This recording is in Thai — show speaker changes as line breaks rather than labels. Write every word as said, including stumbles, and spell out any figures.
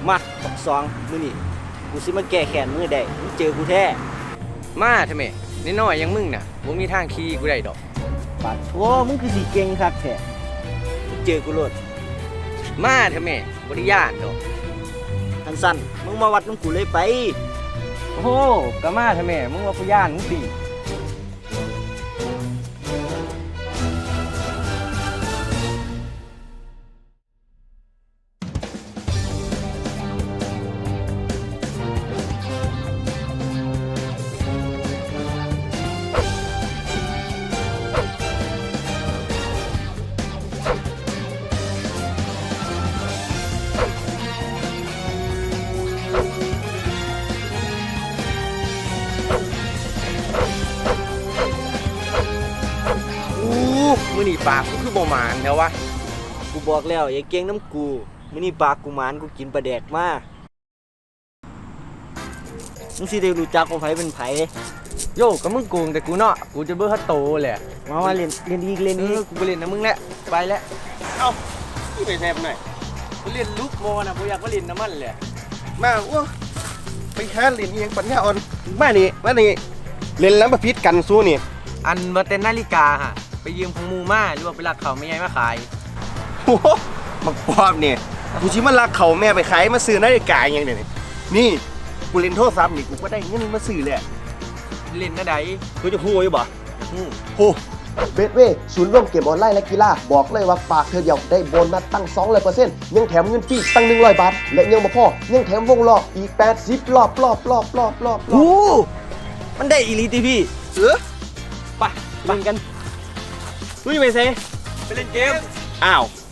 มาบักสองมื้อนี้กูสิมาแก้แค้นมึงได้มึงเจอกูแท้
มาทำไมน้อยๆอยังมึงน่ะบ่มีทางขี่กูได้ดอก
ปาดโถ่มึงคือสิเก่งคักแท้มึงเจอกูโลด
มาทำไมบ่ได้ย่านดอก
ทันสั้นมึงมาวัดน้ำกูเลยไป
โอ้โหก็มาทำไมมึงว่ากูย่านมึงติมื้อนี้ปากกูคือบ่หมานแล้ววะ
กูบอกแล้วอย่าเก่งน้ำกูมื้อนี้ปากกูหมานกูกินปลาแดกมามึงสิได้รู้จักว่าไผเป็นไผ
โยก็มึงโกงแต่กูเนาะกูจะเบิ่ฮัตโตแหละ
มามาเล่นเล่นอีกเล่นอีก
กูไปเล่นนะมึงแหละไปแล้ว
เอ้าพี่ไปแซ่บหน่อย
กูเล่นลูกโมน่ะบ่อยากมาเล่นน้ำมันแหละ
มาอ้วไปหาเล่นอีหยังปัญญาอ่อนมานี่มานี่เล่นแล้วมาพิษกันสู้นี่
อันบ่แต่นาฬิกาฮะไปยืมของหมู่มาหรือว่าไปลักเขาแม่ใหญ่มาขาย
โอ้โหมักปอบนี่กูสิมาลักเขาแม่ไปขายมาซื้อนาฬิกาอย่างเนี่ยนี่กูเล่นโทรศัพท์นี่กูก็ได้เงินมาซื้อแหละ
เล่นนะใด
กูจะฮู้อยู่บ่
ฮู้
ฮู้
เบสเว่ศูนย์ร่วมเกมออนไลน์และกีฬาบอกเลยว่าฝากเธอเดียวได้โบนัสตั้ง สองร้อยเปอร์เซ็นต์ ยังแถมเงินฟรีตั้งหนึ่งร้อยบาทและยังบ่พอยังแถมวงล้ออีกแปดสิบรอบรอบรอบรอบรอบ
โอ้มันได้อีหลีติพี่
เออ
ไปเล่นกันมึงไปเซ
ไปเล่นเกม
อ้าว